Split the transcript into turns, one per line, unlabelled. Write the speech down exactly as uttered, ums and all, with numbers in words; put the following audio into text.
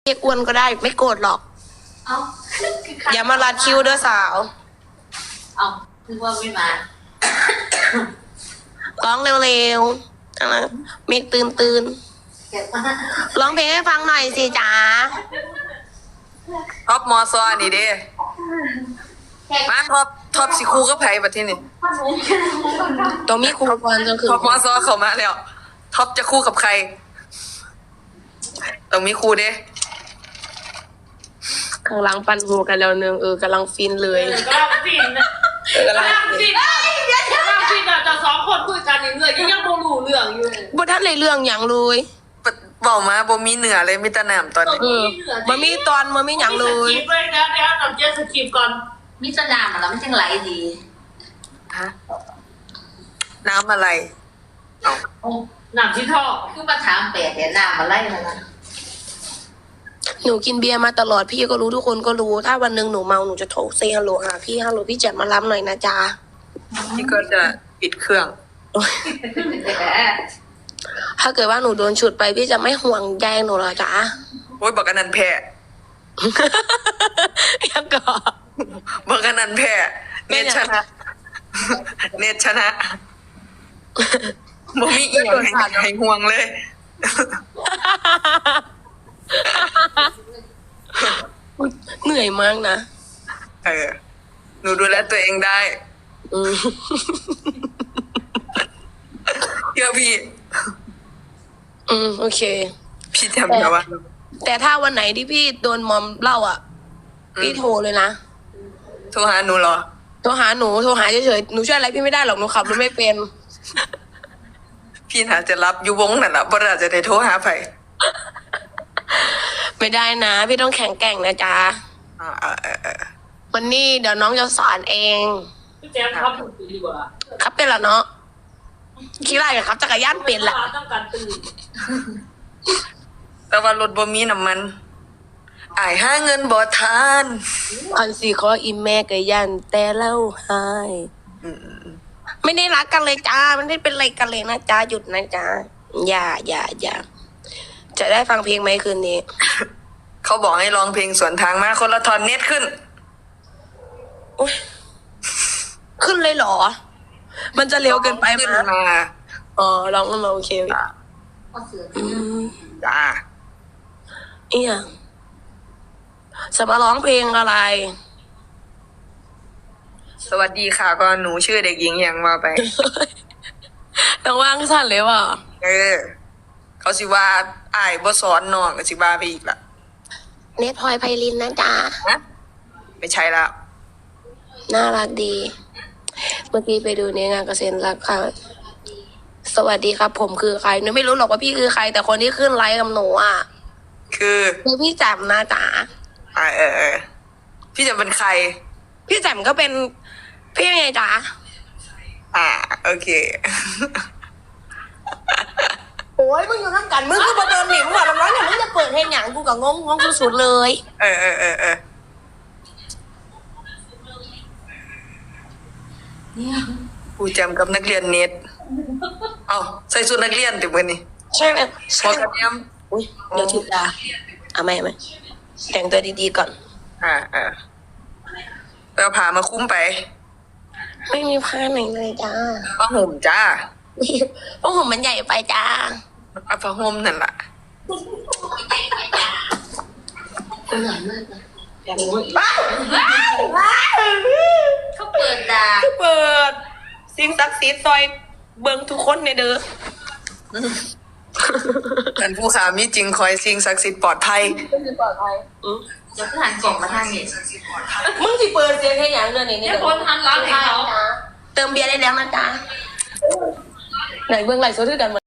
เรียกอ้วนก็ได้ไม่โกรธหรอก
เอา
อย่ามารัดคิวเด้อสาว
เอาคือว่าไม่มา
ร้องเร็วๆอะไรเมกตื่นตื่น
เก็บมา
ร้องเพลงให้ฟังหน่อยสิจ๋า
ท็อปมอซอนี่เด้มาท็อปท็อปสิคู่กับไผบัดทีนี่
ตัวมีครูก่อนจนคือ
ท็อปมอซอเข้ามาแล้วท็อปจะคู่กับใครต้องมีคู่เด้
ข้างหลังปั่นหูกันแล้วนึงเออกำลังฟินเลย
กำลังฟินนะ
เออกำลัง
กำลัง
ฟิ
ฟิ
น
นกำลังฟินอะแต่สองคนคุยกันอย่างเงี้ยยังโมรู้เรื่องอยู่เลย
บ่ท่านในเรื่องอย่างเลย
เว้ามาบ่มีเหนือเลยมีแต่น้ำตอนนี้
เออมันมีตอนมันมีอย่างเลย
สคริปต์เลยนะเดี๋ยวเราเจอสคริปต์ก่อน
มิสนามแล้วมันจังไหลดี
ฮะน้ำอะไรเอา
หนังที่ท่อ
คือมาถามแปดเดี๋ยวน้ำมาไล่มาละ
หนูกินเบียร์มาตลอดพี่ก็รู้ทุกคนก็รู้ ถ้าวันหนึ่งหนูเมาหนูจะโทรเซฮัลโหลหาพี่ฮัลโหลพี่แจ็คมารับหน่อยนะจ๊ะ
พี่ก็จะปิดเครื่อง
ถ้าเกิดว่าหนูโดนฉุดไปพี่จะไม่ห่วงแยงหนูเหรอจ๊ะ
โอ้ยบอกกันนันแพ้
ยังก่อ
บอกกันนันแพ้เนตชนะ เนตชนะบ่มีอีกอย่างให้ให้ห่วงเลย
เหนื่อยมากนะ
เออ หนูดูแลตัวเองได้
อืม
เชื่อพี่
อืมโอเค
พี่จำนะว่า
แต่ถ้าวันไหนที่พี่โดนมอมเล่าอ่ะ พี่โทรเลยนะ
โทรหาหนูเหรอ
โทรหาหนูโทรหาเฉยๆหนูช่วยอะไรพี่ไม่ได้หรอกหนูขับรถไม่เป็น
พี่น่าจะรับอยู่วงนั่นแหละเพราะน่าจะได้โทรหาไผ
ไม่ได้นะ พี่ต้องแข็งแกร่งนะจ๊ะ
อ่าอ่าอ่าอ่า
วันนี้เดี๋ยวน้องจะสอนเอง
พี่แจ๊คครับถูกดีกว่า
ครับเป็นเหรอเนาะคิดอะไรกับครับจักรยานเป็นแหละ
ต้องการตื่น
แต่ว่ารถบ่มีน้ำมันอายหาเงินบ่ทาน
อันสี่ขออีแม่กับยันแต่เล่าหาย
อืม
ไม่ได้รักกันเลยจ้าไม่ได้เป็นอะไรกันเลยนะจ้าหยุดนะจ้าอย่าอย่าอย่าจะได้ฟังเพลงไหมคืนนี้
เขาบอกให้ร้องเพลงสวนทางมาคนละทอนเน็ตขึ้น
โอ๊ยขึ้นเลยเหรอ มันจะเร็วเกินไป
ขึ้น
มั้ย
มา
อ๋อร้องมาโอเค
ก็เสือ
อืม
จ้า
เอียจะมาร้องเพลงอะไร
สวัสดีค่ะก็หนูชื่อเด็กหญิงหยังมาไป
ต้องว่างสั้นเลยว่ะ
เออ เขาสิว่าอายบ่สอนน้องก็สิว่าไปอีกละ
เนทพลอยไพลินนะจ๊ะ
ฮะไม่ใช่ละ
น่ารักดี เมื่อกี้ไปดูในงานเกษตรรักค่ะ สวัสดีครับ ผมคือใครหนูไม่รู้หรอกว่าพี่คือใคร แต่คนที่ขึ้นไลฟ์กับหนูอ่ะ
คือ
คือพี่แจ่มนะจ๊ะ
อ่าเออเออพี่จะเป็นใคร
พี่แจ่มก็เป็นพี่ไงจ๊ะ
อ่า โอเค
โอ้ยมึงอยู่น้ำกันมึงคือประเดินหนิมึงว่าน้องๆเนี่ยมึงจะเปิดเพลงหยังกูกับงงงงสุดๆเลย
เออเออเออเออ
เนี่ย
กูจำกับนักเรียนเน็ตเอ้าใส่ชุดนักเรียนติมื้อนี้
ใช่ไหม
พ
ใช่
อ
ไหม
กันยัง
อุ้ยเดี๋ยวถึงดาเอาไหมเอาไหมแต่งตัวดีๆก่อน
อ่าอ่าไปเอาผ้ามาคุ้มไป
ไม่มีผ้าไหนเลยจ้า
ผ้าห่มจ้า
เพราะผมมันใหญ่ไปจ้า
เอาผ้าห่มนั่นล่ะ
เหนื่อยมากนะ
ว้าวว้าว
เขาเปิดด่า
เปิดสิ่งศักดิ์สิทธิ์ซอยเบิงทุกคนในเด้อ
ท่านผู้ขามีจริงคอยสิ่งศักดิ์สิทธิ์ปลอดภัย
ปลอดภัยอืม
เดี๋ยวก็หันกล่องมาทางนี้
มึงสิเปิดเสียงแค่อย่างเดียวนี่
เนี่ยคนทันร้านให้เขา
เติมเบียร์ได้แล้วนะจ๊ะไหนเบื้องไหลโซดด้วยกัน